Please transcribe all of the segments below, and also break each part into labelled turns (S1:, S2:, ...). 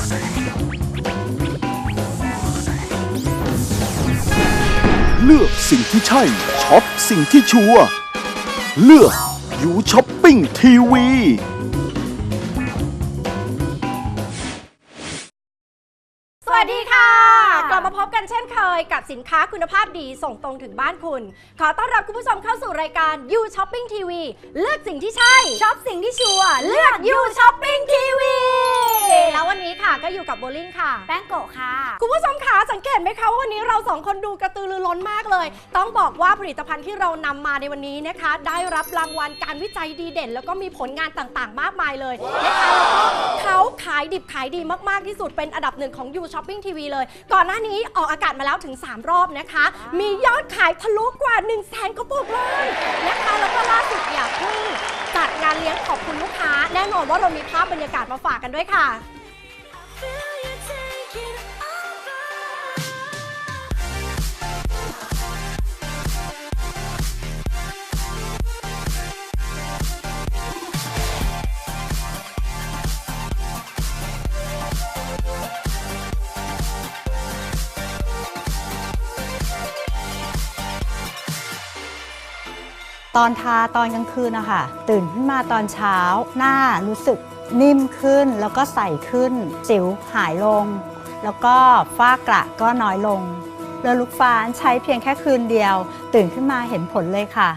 S1: เลือกสิ่งที่ใช่ช็อปสิ่งที่ชัวร์เลือกยูช้อปปิ้งทีวี
S2: สวัสดีค่ะกลับมาพบกันเช่นเคยกับสินค้าคุณภาพดีส่งตรงถึงบ้านคุณขอต้อนรับคุณผู้ชมเข้าสู่รายการ You Shopping TV เลือกสิ่งที่ใช่ช็อปสิ่งที่ชัวร์เลือก You Shopping TV แล้ววันนี้ค่ะก็อยู่กับโบลิ่งค่ะแป้งโกะค่ะคุณผู้ชมคะสังเกตไหมคะว่าวันนี้เราสองคนดูกระตือรือร้นมากเลยต้องบอกว่าผลิตภัณฑ์ที่เรานำมาในวันนี้นะคะได้รับรางวัลการวิจัยดีเด่นแล้วก็มีผลงานต่างๆมากมายเลยนะคะแล้วก็เขาขายดิบขายดีมากๆที่สุดเป็นอันดับหนึ่งของ You Shopping TV เลยก่อนหน้านี้ออกอากาศมาแล้วถึง3รอบนะคะมียอดขายทะลุกว่า 100,000 กระปุกเลยนะคะแล้วก็ล่าสุดเนี่ยเพิ่งจัดงานเลี้ยงขอบคุณลูกค้าแน่นอนว่าเรามีภาพบรรยากาศมาฝากกันด้วยค่ะ
S3: ตอนทาตอนกลางคืนนะคะตื่นขึ้นมาตอนเช้าหน้ารู้สึกนิ่มขึ้นแล้วก็ใสขึ้นสิวหายลงแล้วก็ฝ้ากระก็น้อยลงเลอลุกฟ้านใช้เพียงแค่คืนเดียวตื่นขึ้นมาเห็นผลเลยค่ะ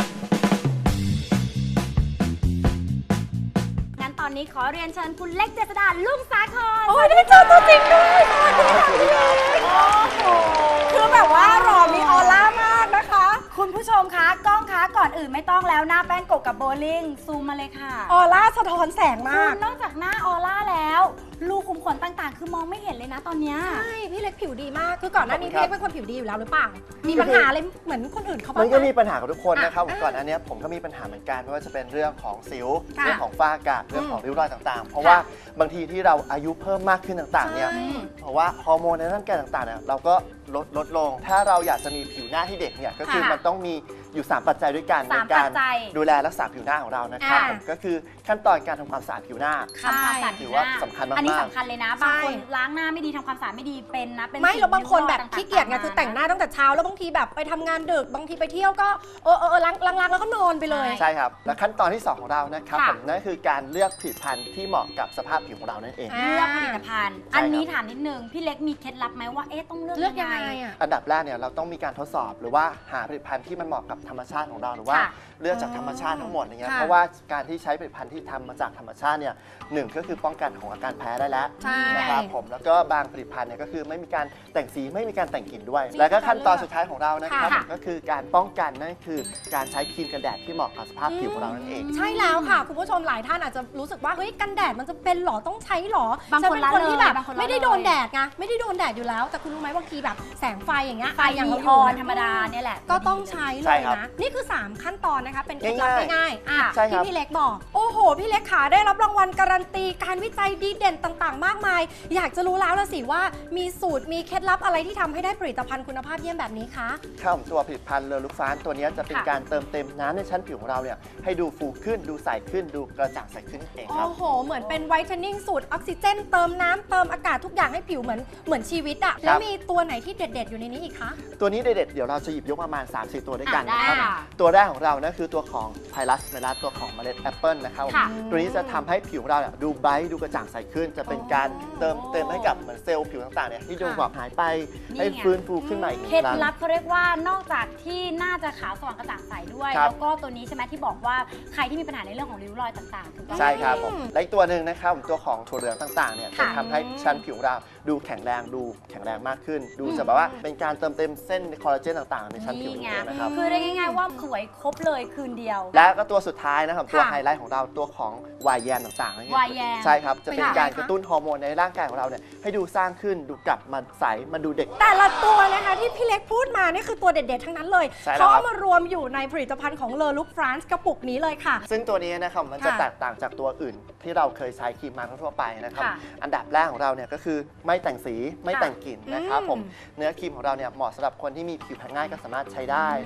S2: งั้นตอนนี้ขอเรียนเชิญคุณเล็กเจษฎาลุ่งสาครโอ้ยได้เจอตัวจริงด้วยสวัสดีค่ะพี่เล็กโอ้โหคือแบบว่าหล่อมีออร่ามากนะคะ
S4: คุณผู้ชมคะกล้องคะก่อนอื่นไม่ต้องแล้วหน้าแป้งโกะกับโบลิ่งซูมมาเลยค่ะ
S2: ออร่าสะท้อนแสงมาก
S4: นอกจากหน้าออร่าแล้วรูขุมขนต่างๆคือมองไม่เห็นเลยนะตอนนี้
S2: ใช่พี่เล็กผิวดีมากคือก่อนหน้านี้พี่เล็กเป็นคนผิวดีอยู่แล้วหรือเปล่ามีปัญหาอะไรเหมือนคนอื่นเขาบ้าง
S5: มันก็มีปัญหากับทุกคนนะครับก่อนอันนี้ผมก็มีปัญหาเหมือนกันไม่ว่าจะเป็นเรื่องของสิวเรื่องของฝ้ากระเรื่องของริ้วรอยต่างๆเพราะว่าบางทีที่เราอายุเพิ่มมากขึ้นต่างๆเนี่ยเพราะว่าฮอร์โมนในร่างกายต่างๆเนี่ยเราก็ลดลงถ้าเราอยากจะมีผิวหน้าที่เด็กเนี่ยก็คือมันต้องมีอยู่3ปัจจัยด้วยกันในการดูแลรักษาผิวหน้าของเรานะครับก็คือขั้นตอนการทำความสะอาดผิวหน้าถือว่าสำคัญมากๆ
S4: อันนี้สำคัญเลยนะบางคนล้างหน้าไม่ดีทำความสะอาดไม่ดีเป็นนะเป็น
S2: ไม่แล้วบางคนแบบขี้เกียจไงคือแต่งหน้าตั้งแต่เช้าแล้วบางทีแบบไปทำงานดึกบางทีไปเที่ยวก็ล้างแล้วก็นอนไปเลย
S5: ใช่ครับและขั้นตอนที่2ของเรานะครับนั่นคือการเลือกผลิตภัณฑ์ที่เหมาะกับสภาพผิวของเรานั่นเอง
S4: เลือกผลิตภัณฑ์อันนี้ถามนิดนึงพี่เล็กมีเคล็ดลับไหมว่าต้องเลือกยังไง
S5: อันดับแรกเนี่ยเราต้องมีการทดสอบหรือว่าหาผลิตภัณฑ์ที่มันเหมาะกับธรรมชาติของเราหรือว่าเลือกจากธรรมชาติทั้งหมดอย่างเงี้ยเพราะว่าการที่ใช้ผลิตภัณฑ์ที่ทำมาจากธรรมชาติเนี่ย1ก็คือป้องกันของอาการแพ้ได้แล้วนะครับผมแล้วก็บางผลิตภัณฑ์เนี่ยก็คือไม่มีการแต่งสีไม่มีการแต่งกลิ่นด้วยแล้วก็ขั้นตอนสุดท้ายของเรานะครับก็คือการป้องกันนั่นคือการใช้ครีมกันแดดที่เหมาะกับสภาพผิวของเรานั่นเอง
S2: ใช่แล้วค่ะคุณผู้ชมหลายท่านอาจจะรู้สึกว่าเฮ้ยกันแดดมันจะเป็นหรอต้องใช้หรอบางคนที่แบบไม่ได้โดนแดดไงไม่ได้โดนแดดอยู่แล้วแต่คุณรู้ไหมบางทีแบบแสงไฟอย่างเงี้ย
S4: ไฟอย่างนีออนธรรมดาเนี่ยแหละ
S2: ก็ต้องใช้เลยนะนี่คือ3ขั้นตอนนะคะเป็นเคล็ดลับง่ายๆที่พี่เล็กบอกโอ้โหพี่เล็กขาได้รับรางวัลการันตีการวิจัยดีเด่นต่างๆมากมายอยากจะรู้แล้วละสิว่ามีสูตรมีเคล็ดลับอะไรที่ทำให้ได้ผลิตภัณฑ์คุณภาพเยี่ยมแบบนี้คะ
S5: ครับตัวผลิตภัณฑ์เลอลุกฟ้านตัวนี้จะเป็นการเติมเต็มน้ำในชั้นผิวของเราเนี่ยให้ดูฟูขึ้นดูใสขึ้นดูกระจ่างใสขึ้นเองครับ
S2: โอ้โหเหมือนเป็นไวท์เทนนิ่งสูตรออกซิเจนเติมน้ำเติมอากาศทุกอย่างให้ผิวเหมือนชีวิตอะแล้วมีตัวไหนที่เด็ดๆอยู่ในนี้อีกคะ
S5: ตัวนี้เด็ดๆเดี๋ยวเราจะหยิบยกประมาณ 3-4 ตัวด้วยกันนะครับตัวแรกของเรานะคือตัวของไพลัสเมลัสตัวของเมล็ดแอปเปิลนะครับตัวนี้จะทำให้ผิวของเราเนี่ยดูไบรท์ดูกระจ่างใสขึ้นจะเป็นการเติมเต็มให้กับเหมือนเซลล์ผิวต่างๆเนี่ยที่ดูแบบหายไปให้ฟื้นฟูขึ้นมาอีกครั้ง
S4: เคล็ดลับเขาเรียกว่านอกจากที่น่าจะขาวสว่างกระจ่างใสด้วยแล้วก็ตัวนี้ใช่ไหมที่บอกว่าใครที่มีปัญหาในเรื่องของริ้วรอยต่างๆถูกต้อง
S5: ใช่ครับผมและอีกตัวหนึ่งนะครับตัวของถั่วเหลืองต่างๆเนี่ยจะทำให้ชั้นผิวเราดูแข็งแรงมากขึ้นดูจะแบบว่าเป็นการเติมเต็มเส้นคอลลาเจนต่างๆในชั้นผิวนะครับ
S4: คือได้ง่ายๆว่าสวยครบเลยคืนเดียว
S5: และก็ตัวสุดท้ายนะครับตัวไฮไลท์ของเราตัวของวายแยมต่างๆ
S4: วายแยม
S5: ใช่ครับจะเป็นการกระตุ้นฮอร์โมนในร่างกายของเราเนี่ยให้ดูสร้างขึ้นดูกลับมาใสมันดูเด็ก
S2: แต่ละตัวนะคะที่พี่เล็กพูดมานี่คือตัวเด็ดๆทั้งนั้นเลยเขาเอามารวมอยู่ในผลิตภัณฑ์ของเลอลุกฟรานซ์กระปุกนี้เลยค่ะ
S5: ซึ่งตัวนี้นะครับมันจะแตกต่างจากตัวอื่นที่เราเคยใช้ครีมมาทั่วไปนะครับอันดับแรกของเราเนี่ยก็คือไม่แต่งสีไม่แต่งกลิ่นนะครับผมเนื้อครีมของเราเนี่ยเหมาะสำหรับคนที่มีผิวแพ้ง่ายก็สามารถใช้ได้นะครับผม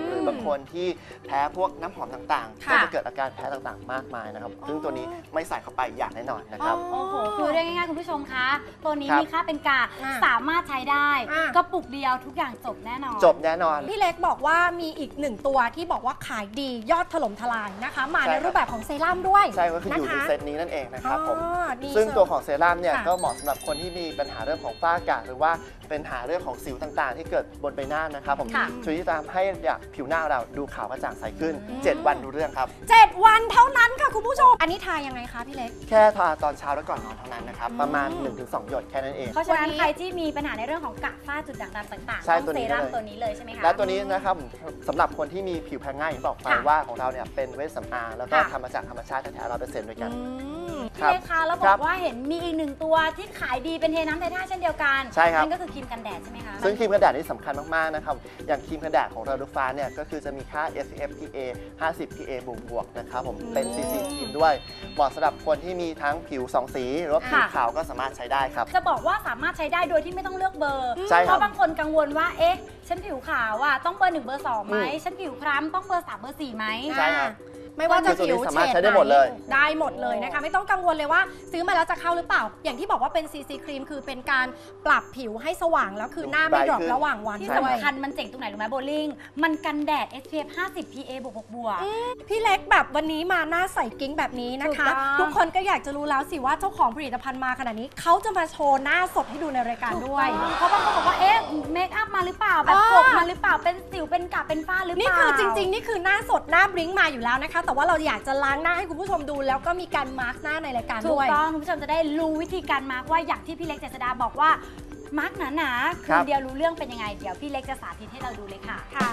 S5: หรือบางคนที่แพ้พวกน้ำหอมต่างๆ
S2: ค่ะ
S5: ก็จะเกิดอาการแพ้ต่างๆ มากมายนะครับซึ่งตัวนี้ไม่ใส่เข้าไปอย่างแน่นอนนะครับ
S4: โอ้โห คือเรียกง่ายๆคุณผู้ชมคะ ตัวนี้
S5: ครับ
S4: มีค่าเป็นกลาง
S2: อ่ะ
S4: สามารถใช้ได้
S2: อ่ะ
S4: กระปุกเดียวทุกอย่างจบแน่นอน
S5: จบแน่นอน
S2: พี่เล็กบอกว่ามีอีกหนึ่งตัวที่บอกว่าขายดียอดถล่มทลายนะคะ มา
S5: ใช่
S2: ใน
S5: ครับ
S2: รูปแบบของเซรั่มด้วย
S5: ใช่ก็คืออยู่ใน
S2: นะคะ
S5: เซตนี้นั่นเองนะครับผม
S2: อ๋อดี
S5: ซึ่ง
S2: เชียว
S5: ตัวของเซรั่มเนี่ย
S2: ค่ะ
S5: ก็เหมาะสำหรับคนที่มีปัญหาเรื่องของฝ้ากระหรือว่าเป็นปัญหาเรื่องของสิวต่างๆ ที่เกิดบนใบหน้านะครับผม
S2: ค่ะ
S5: ช่วยที่จะทำให้ผิวหน้าเราดูขาวกระจ่างใสขึ้น
S2: อืม
S5: 7 วันดูเรื่องครับ
S2: 7 วันเท่านั้นค่ะคุณผู้ชม อันนี้ทายังไงคะพี่เล็ก
S5: แค่ทาตอนเช้าแล้วก่อนนอนเท่านั้นนะครับ ประมาณ 1-2 หยดแค่นั้นเอง
S4: เพราะฉะนั้น
S2: วันนี้
S4: ใครที่มีปัญหาในเรื่องของกระฝ้าจุดด่างดำต่างๆ
S5: ใช่
S4: ต้อง
S5: ตัว
S4: เซ
S5: นี้
S4: รั่ม
S5: เลย
S4: ตัวนี้เลยใช่ไหมคะ
S5: และตัวนี้นะครับสำหรับคนที่มีผิวแพ้ง่ายอย่างที่บอกไป
S4: ค่ะ
S5: ว่าของเราเนี่ยเป็นเวชสำอางแล้วก็
S2: ค่ะ
S5: ทำมาจากธรรมชาติแท้ๆ100%ด้วยกัน
S4: พี่เล็กคะแล้วบ
S5: ครั
S4: อบ กว่าเห็นมีอีกหนึ่งตัวที่ขายดีเป็นเทน้ำเทท่าเช่นเดียวกัน
S5: ใช่ครับ
S4: นั่นก็คือครีมกันแดดใช่ไหมคะ
S5: ซึ่งครีมกันแดดนี่สำคัญมากๆนะครับ อย่างครีมกันแดดของเราดูฟ้าเนี่ยก็คือจะมีค่า SPF PA 50 PA บวกๆนะครับผมเป็น CC ครีมด้วย เหมาะสำหรับคนที่มีทั้งผิว2 สีหรือว่าผิว
S4: ค่ะ
S5: ขาวก็สามารถใช้ได้ครับ
S4: จะบอกว่าสามารถใช้ได้โดยที่ไม่ต้องเลือกเบอร์
S5: ใช่ครับ
S4: เพราะบางคนกังวลว่า เอ๊ะ ฉันผิวขาวอ่ะต้องเบอร์ 1 เบอร์ 2 ไหม
S5: อืม
S4: ฉันผิวคล้ำต้องเบอร์ 3 เบอร์ 4 ไหม
S5: ใช่ครับ
S2: ไม่ว่าจะ
S5: คือตัวนี้
S2: ผิว
S5: สามารถ
S2: เฉ
S5: ใช้ได้หมดเลย
S2: ได้หมดเลยนะคะ ไม่ต้องกังวลเลยว่าซื้อมาแล้วจะเข้าหรือเปล่า อย่างที่บอกว่าเป็น CC ครีมคือเป็นการปรับผิวให้สว่างแล้วคือหน้าไม่ดรอประหว่างวัน
S4: ที่
S2: ด้วย
S4: สำคัญมันเจ๋งตรงไหนรู้ไหมโบลิ่ง มันกันแดด SPF 50 PA บวกบวก
S2: พี่เล็กแบบวันนี้มาหน้าใสกิ้งแบบนี้นะคะ
S4: ถูกต้อง
S2: ทุกคนก็อยากจะรู้แล้วสิว่าเจ้าของผลิตภัณฑ์มาขนาดนี้เขาจะมาโชว์หน้าสดให้ดูในรายการด้วย
S4: เพราะบางคนบอกว่า เอ๊ะ เมคอัพมาหรือเปล่า แบบ
S2: อ่า
S4: กบมาหรือเปล่า เป็นสิว เป็นกระเป็นฝ้าหรือเปล่า
S2: นี่คือจริง ๆ นี่คือหน้าสดหน้าบลิ้งมาอยู่แล้วนะคะ แต่ว่าเราอยากจะล้างหน้าให้คุณผู้ชมดู แล้วก็มีการมาร์กหน้าในรายการ
S4: ถู
S2: ด้
S4: ก
S2: วย
S4: ต้องคุณผู้ชมจะได้รู้วิธีการมาร์กว่าอย่างที่พี่เล็กเจษดาบอกว่ามาร์กหนาๆ
S5: ครั
S4: คือบ เดียวรู้เรื่องเป็นยังไง เดี๋ยวพี่เล็กจะสาธิตให้เราดูเลยค่ะ
S2: ค่ะ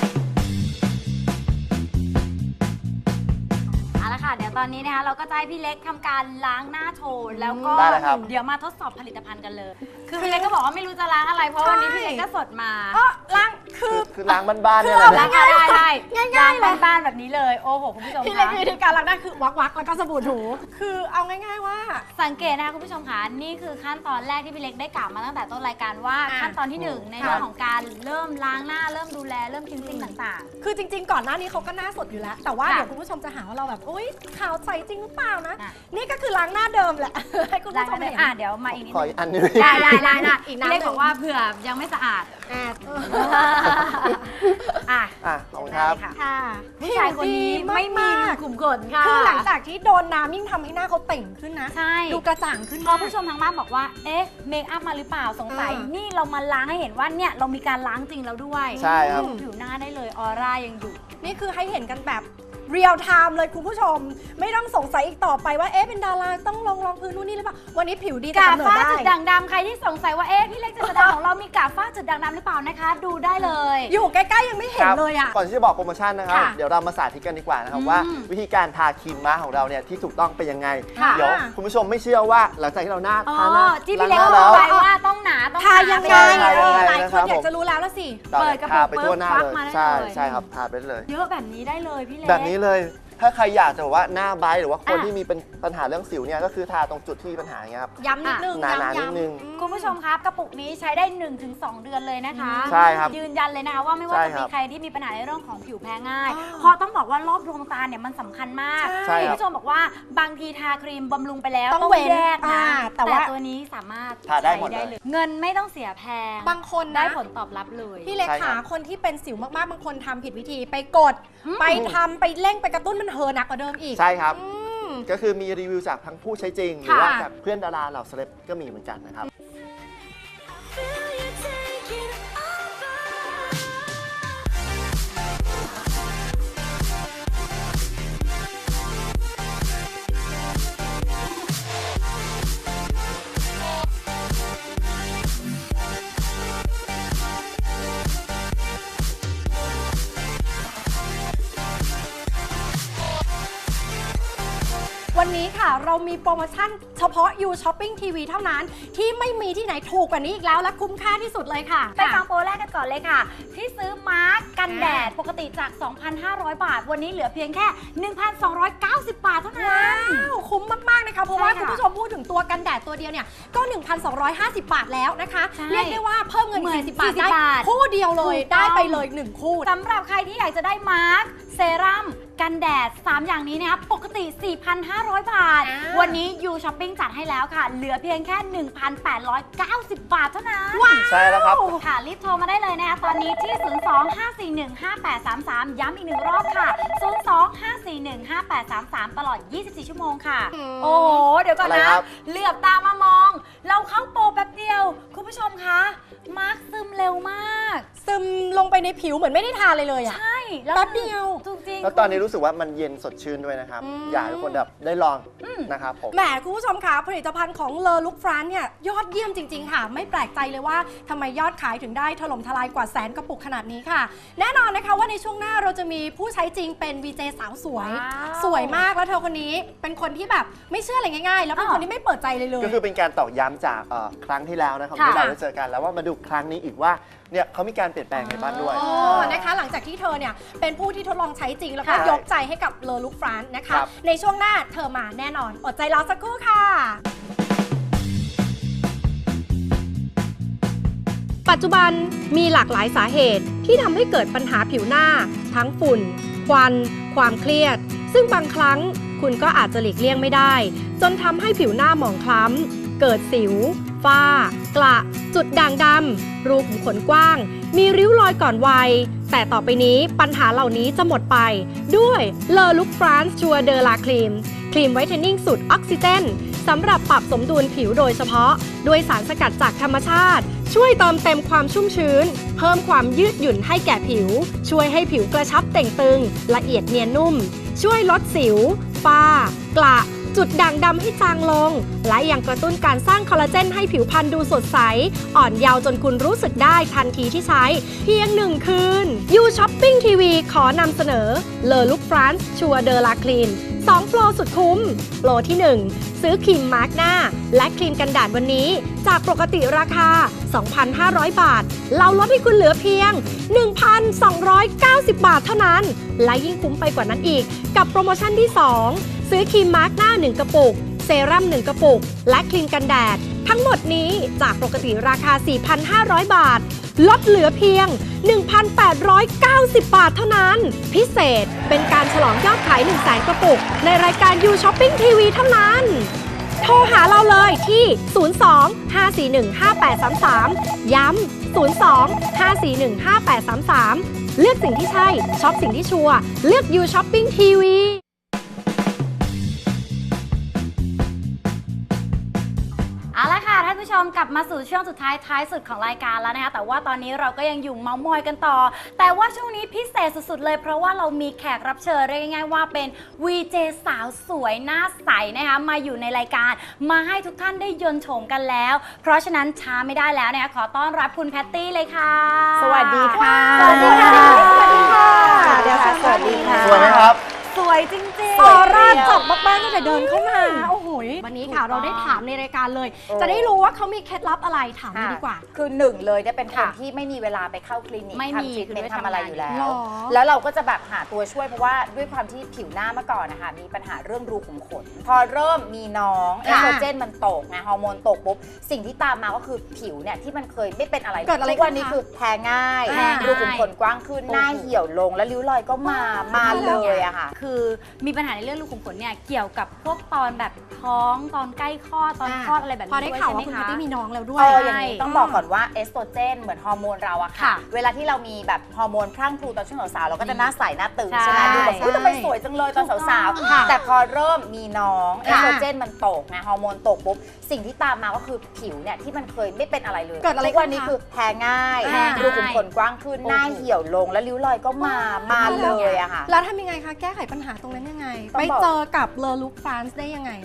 S4: เอาละค่ะ เดี๋ยวตอนนี้นะคะเราก็จะให้พี่เล็กทำการล้างหน้าโชว์แล้วก็
S5: ได้เลยครับ
S4: เดี๋ยวมาทดสอบผลิตภัณฑ์กันเลย คือพี่เล็กก็บอกว่าไม่รู้จะล้างอะไรเพราะวันนี้พี่เล็กก็สดมา
S2: ก็ล้างคือ
S5: คือล้างบ้านๆเนี่ยแห
S2: คือ
S5: ละ
S2: เอา
S5: นะ
S4: ล้างได้
S2: ง่ายๆเลย
S4: บ้านๆแบบนี้เลยโอ้โหคุณผู้ชม
S2: พี่เล็ก
S4: คะ
S2: มีวิธีการล้างหน้าคือวักๆแล้วก็สบู่ถู คือเอาง่าย ๆว่า
S4: สังเกตนะคะคุณผู้ชมคะนี่คือขั้นตอนแรกที่พี่เล็กได้กล่าวมาตั้งแต่ต้นรายการว่า
S2: อ่ะ
S4: ขั้นตอนที่หนึ่งในเรื่องของการเริ่มล้างหน้าเริ่มดูแลเริ่มคินซิ่งต่าง
S2: คือจริง ๆ ก่อนหน้านี้เขาก็หน้าสดอยู่แล้ว แต่ว่า
S4: ค่ะ
S2: เดี๋ยวคุณผู้ชมจะหาว่าเราแบบอุ้ยขาวใสจริงหรือเปล่านะ
S4: อ่ะ
S2: นี่ก็คือล้างหน้าเดิมแหละ ให้คุณ
S4: ๆล้าง
S2: ผู้ชม
S4: ได้
S2: เห็น
S4: อ่ะเดี๋ยวมาอีกนิด
S5: ขอ
S4: นึ
S5: อี
S4: ง
S5: กอันหนึง
S4: ได้
S2: อีก
S4: พี่
S2: น้ำหนึ่ง
S4: เล็กบอกว่าเผื่อยังไม่สะอาด อ่ะ
S5: อ่ะขอบคุณครับ
S4: ได้ค่ะ
S2: ค่ะ
S4: ผู้ชายคนนี้ไม่มีรูขุมขนค่ะ
S2: คือหลังจากที่โดนน้ำยิ่งทำให้หน้าเขาเต่งขึ้นนะ
S4: ใช่
S2: ดูกระจ่างขึ้น
S4: พอผู้ชมทางบ้านบอกว่า เอ๊ะ เมคอัพมาหรือเปล่า สงสัย นี่เรามาล้างให้เห็นว่าเนี่ยเรามีการล้างจริงแล้วด้วย
S5: ใช่ครับ
S4: ผิวหน้าได้เลย ออร่ายังอยู่
S2: นี่คือให้เห็นกันแบบเรียลไทม์เลยคุณผู้ชม ไม่ต้องสงสัยอีกต่อไปว่าเอ๊ะเป็นดาราต้องลองพื้นนู่นนี่หรือเปล่าวันนี้ผิวดีแต่
S4: กาก
S2: ำเนิด
S4: ฝ้า
S2: ได้
S4: จุดด่างดำใครที่สงสัยว่า เอ๊ะ พี่เล็กเจษดาของเรามีกากฝ้าจุดด่างดำหรือเปล่านะคะ ดูได้เลย
S2: อยู่ใกล้ๆยังไม่เห็นเลยอ่ะ
S5: ก่อนที่จะบอกโปรโมชั่นนะครับ
S2: ค่ะ
S5: เดี๋ยวเรามาสาธิตกันดีกว่านะครับ
S4: อืม
S5: ว่าวิธีการทาครีมม้าของเราเนี่ยที่ถูกต้องเป็นยังไง
S4: ค่ะ
S5: เดี๋ยวคุณผู้ชมไม่เชื่อว่าหลังจากที่เราหน้า
S4: อ๋อ
S5: ทาหน้า
S4: ที่พี่เล็ก
S5: ล้างห
S4: บ
S5: น้า
S4: อก
S5: แล้ว
S4: ไปว่าต้องหนาต้อง
S2: ทายังไง
S5: ใช่ใช่ยังไง
S2: หลาย
S5: นะ
S2: ค
S5: ครั
S2: น
S5: บ
S2: อยากจะรู้แล้วละสิ
S5: เรา
S4: เปิดกระปุก
S5: ทาไปทั่วหน้า
S4: ปุ๊บ
S5: เลย
S4: ฟักมาได้
S5: ใช่
S4: เลย
S5: ใช่ครับทาไปเลย
S4: เยอะแบบนี้ได้เลยพี่เล็ก
S5: แบบนี้เลย ถ้าใครอยากจะบอกว่าหน้าไบรท์หรือว่าคน
S4: อ่ะ
S5: ที่มีเป็นปัญหาเรื่องสิวเนี่ยก็คือทาตรงจุดที่มีปัญหาอย่างเงี้ยครับ
S2: ย้ำนิดนึง
S5: หนาๆ
S2: ย้ำ
S5: นิดนึง
S4: คุณผู้ชมครับกระปุกนี้ใช้ได้ 1-2 เดือนเลยนะคะ
S5: ใช่ครับ
S4: ยืนยันเลยนะคะว่าไม่ว่า
S5: ใช่
S4: จะ
S5: ครั
S4: มี
S5: บ
S4: ใครที่มีปัญหาในเรื่องของผิวแพ้ง่าย
S2: อ๋อ
S4: เพราะต้องบอกว่ารอบดวงตาเนี่ยมันสำคัญมาก
S5: ใช่ครับ
S4: คุณผู้ชมบอกว่าบางทีทาครีมบำรุงไปแล้ว
S2: ต้องเว้น
S4: แยกนะ
S2: แต่ว่า
S4: ตัวนี้สามารถ
S5: ทาได้หมด
S4: ใช้
S5: เลย
S4: เงินไม่ต้องเสียแพง
S2: บางคน
S4: ได้
S2: นะ
S4: ผลตอบรับเลย
S2: พี่เล็ก
S5: ใช่ครั
S2: ขา
S5: บ
S2: คนที่เป็นสิวมากๆ บางคนทำผิดวิธีไปกด
S4: อืม
S2: ไปทำไปเร่งไปกระตุ้นมันเฮอหนักกว่าเดิมอีก
S5: ใช่ครับ
S2: อืม
S5: ก็คือมีรีวิวจากทั้งผู้ใช้จริง หรือ
S2: ค่ะ
S5: ว่าจากเพื่อนดาราเหล่าเซเลบก็มีเหมือนกันนะครับ
S2: วันนี้ค่ะเรามีโปรโมชั่นเฉพาะ You Shopping TV เท่านั้นที่ไม่มีที่ไหนถูกกว่านี้อีกแล้วและคุ้มค่าที่สุดเลยค่ะ
S4: ไปฟังโปรแรกกันก่อนเลยค่ะ ที่ซื้อมาร์กกันแดดปกติจาก 2,500 บาท วันนี้เหลือเพียงแค่ 1,290 บาทเท่านั้น
S2: ว้าวคุ้มมากๆนะคะเพราะว่า
S4: ใช่ค่ะ
S2: คุณผู้ชมพูดถึงตัวกันแดดตัวเดียวเนี่ยก็ 1,250 บาทแล้วนะคะ
S4: ใช่
S2: เรียกได้ว่าเพิ่มเงิน
S4: เหมือน
S2: 40 บาทได้
S4: 40 บาท
S2: คู่เดียวเลย
S4: ถูกต้อง
S2: ได้ไปเลย1คู่
S4: สำหรับใครที่อยากจะได้มาร์กเซรั่มกันแดด 3 อย่างนี้นะคะปกติ 4,500 บาท วันนี้ You Shopping จัดให้แล้วค่ะ เหลือเพียงแค่ 1,890 บาทเท่านั้น
S5: ใช่แล้วครับ
S4: ค่ะรีบโทรมาได้เลยนะคะตอนนี้ที่ 02-541-5833 ย้ำอีกหนึ่งรอบค่ะ 02-541-5833 ตลอด 24 ชั่วโมงค่ะ โอ้โห เดี๋ยวก่อน
S5: อะไร
S4: นะครับ เหลือบตามามอง เราเข้าโปรแป๊บเดียว คุณผู้ชมคะมาร์คซึมเร็วมาก
S2: ซึมลงไปในผิวเหมือนไม่ได้ทาเลยอะ
S4: ใช่แล้ว
S2: แป๊บเดียว
S4: จริงๆ
S5: แล้วตอนนี้รู้สึกว่ามันเย็นสดชื่นด้วยนะครับ อยากให้ทุกคนแบบได้ลองนะครับผม
S2: แหมคุณผู้ชมคะผลิตภัณฑ์ของเลอลุกฟรานเนี่ยยอดเยี่ยมจริง ๆ ค่ะ ไม่แปลกใจเลยว่าทำไมยอดขายถึงได้ถล่มทลายกว่าแสนกระปุกขนาดนี้ค่ะ แน่นอนนะคะว่าในช่วงหน้าเราจะมีผู้ใช้จริงเป็น VJ สาวสวย
S4: ว้าว
S2: สวยมากแล้วเธอคนนี้เป็นคนที่แบบไม่เชื่ออะไรง่ายๆ แล้วเป็นคนที่ไม่เปิดใจเลย
S5: ก็คือเป็นการตอกย้ำจากครั้งที่แล้วนะครับ
S2: ค่ะ
S5: ที่เราได้เจอกันแล้วว่ามาดูครั้งนี้อีกว่าเนี่ยเขามีการเปลี่ยนแปลงในบ้านด้วย
S2: อ๋อนะคะหลังจากที่เธอเนี่ยเป็นผู้ที่ทดลองใช้จริงแล้วก็
S5: ค่ะ
S2: ยกใจให้กับเลอลุกฟรานนะคะ
S5: ครับ
S2: ในช่วงหน้าเธอมาแน่นอนอดใจรอสักครู่ค่ะ ปัจจุบันมีหลากหลายสาเหตุที่ทำให้เกิดปัญหาผิวหน้า ทั้งฝุ่น ควัน ความเครียด ซึ่งบางครั้งคุณก็อาจจะหลีกเลี่ยงไม่ได้ จนทำให้ผิวหน้าหมองคล้ำ เกิดสิว ฝ้ากระ จุดด่างดำ รูขุมขนกว้าง มีริ้วรอยก่อนวัย แต่ต่อไปนี้ปัญหาเหล่านี้จะหมดไป ด้วยเลอลุกฟรานซ์ชัวเดอร์ลาครีมครีมไวท์เทนนิ่งสูตรออกซิเจนสำหรับปรับสมดุลผิวโดยเฉพาะ ด้วยสารสกัดจากธรรมชาติ ช่วยเติมเต็มความชุ่มชื้น เพิ่มความยืดหยุ่นให้แก่ผิว ช่วยให้ผิวกระชับเต่งตึง ละเอียดเนียนนุ่ม ช่วยลดสิว ฝ้ากระ จุดด่างดำให้จางลง และยังกระตุ้นการสร้างคอลลาเจนให้ผิวพรรณดูสดใส อ่อนเยาว์จนคุณรู้สึกได้ทันทีที่ใช้ เพียง1 คืน You Shopping TV ขอนำเสนอเลอลุกฟรานซ์ชัวเดอร์ลาคลีน2 โปรสุดคุ้ม โปรที่ 1 ซื้อครีมมาร์กหน้า และครีมกันแดดวันนี้ จากปกติราคา 2,500 บาท เราลดให้คุณเหลือเพียง 1,290 บาทเท่านั้น และยิ่งคุ้มไปกว่านั้นอีก กับโปรโมชั่นที่ 2 ซื้อครีมมาร์กหน้า 1 กระปุก เซรั่ม 1 กระปุก และครีมกันแดด ทั้งหมดนี้จากปกติราคา 4,500 บาท ลดเหลือเพียง 1,890 บาทเท่านั้น พิเศษเป็นการฉลองยอดขาย 100,000 กระปุก ในรายการ You Shopping TV เท่านั้น โทรหาเราเลยที่ 02-541-5833 ย้ำ 02-541-5833 เลือกสิ่งที่ใช่ ช็อปสิ่งที่ชัวร์ เลือก You Shopping TV
S4: เอาละค่ะท่านผู้ชมกลับมาสู่ช่วงสุดท้ายสุดของรายการแล้วนะคะแต่ว่าตอนนี้เราก็ยังอยู่เมาส์มอยกันต่อ แต่ว่าช่วงนี้พิเศษสุดๆเลยเพราะว่าเรามีแขกรับเชิญเรียกง่ายๆว่าเป็น VJ สาวสวยหน้าใสนะคะมาอยู่ในรายการมาให้ทุกท่านได้ยนต์โฉมกันแล้ว เพราะฉะนั้นช้าไม่ได้แล้วนะคะขอต้อนรับคุณแพตตี้เลยค่ะ
S6: สวัสดีค่ะ
S4: สวัสดีค่ะ
S2: สวัสดีค่ะ
S6: เดี๋ยวสวัสดีค่ะ
S5: สวยไหมครับ
S4: สวยจริง
S2: ออร่าจับมากๆตั้งแต่เดินเข้ามา โอ้โหวันนี้ค่ะเราได้ถามในรายการเลย จะได้รู้ว่าเขามีเคล็ดลับอะไรถามเลยดีกว่า
S6: คือหนึ่งเลยเนี่ยเป็นคน
S4: ค่ะ
S6: ที่ไม่มีเวลาไปเข้าคลินิก
S4: ไม่มี
S6: ทำทรีทเมน
S4: คือด้วย
S6: ต์ทำอะไรอยู่แล้
S2: หร
S6: ว
S2: อ
S6: แล้วเราก็จะแบบหาตัวช่วยเพราะว่าด้วยความที่ผิวหน้าเมื่อก่อนนะคะมีปัญหาเรื่องรูขุมขน พอเริ่มมีน้องเอสโตรเจนมันตกไงฮอร์โมนตกปุ๊บสิ่งที่ตามมาก็คือผิวเนี่ยที่มันเคยไม่เป็นอะไร
S2: เกิดอะไร
S6: ทุกวันนี้
S2: ขึ้นคะ
S6: คือแพ้ง่าย
S4: แพ้ง่าย
S6: รูขุมขนกว้างขึ้นหน้าเหี่ยวลงแล้วริ้วรอยก็มาเลยอะค่ะ
S4: คือมีปัญหาในเรื่องรูขุมขนเนี่ยเกี่ยวกับพวกตอนแบบท้องตอนใกล้คลอดตอนคลอดอะไรแบบนี้
S2: พอได้
S4: ด้วย
S2: ข่าว
S4: ใช่ไหม
S2: ว่าคุณ
S4: คะ
S2: แพตตี้มีน้องแล้วด้ว
S6: เอย ออย่างนี้ต้องบอกก่อนว่าเอสโตรเจนเหมือนฮอร์โมนเราอะค่ะ
S4: ค่ะ
S6: เวลาที่เรามีแบบฮอร์โมนพรั่งพรูตอนช่วงสาวๆเราก็จะหน้าใสหน้าตึง
S4: ใช่
S6: ใช่ไหมดูแบบอุ๊ยทำไมสวยจังเลยตอนสาว
S2: ค่ะ
S6: ๆแต่พอเริ่มมีน้องเอ
S2: ค่ะ
S6: สโตรเจนมันตกไงฮอร์โมนตกปุ๊บสิ่งที่ตามมาก็คือผิวเนี่ยที่มันเคยไม่เป็นอะไรเลย
S2: เกิดอะไร
S6: ทุกวันนี้
S2: ขึ้นคะ
S6: คือแพ้ง่าย
S2: แพ้ง่าย
S6: รูขุมขนกว้างขึ้นหน้าเหี่ยวลงแล้วริ้วรอยก็มาเลยอะค่ะ
S2: แล้วทำยังไงคะแก้ไขปัญหาตรงนั้นยังไง
S6: ต้อง
S2: ไป
S6: บอก
S2: เจอกับเลอลุกฟรานซ์ได้ยังไง
S6: ตอนแรกอะ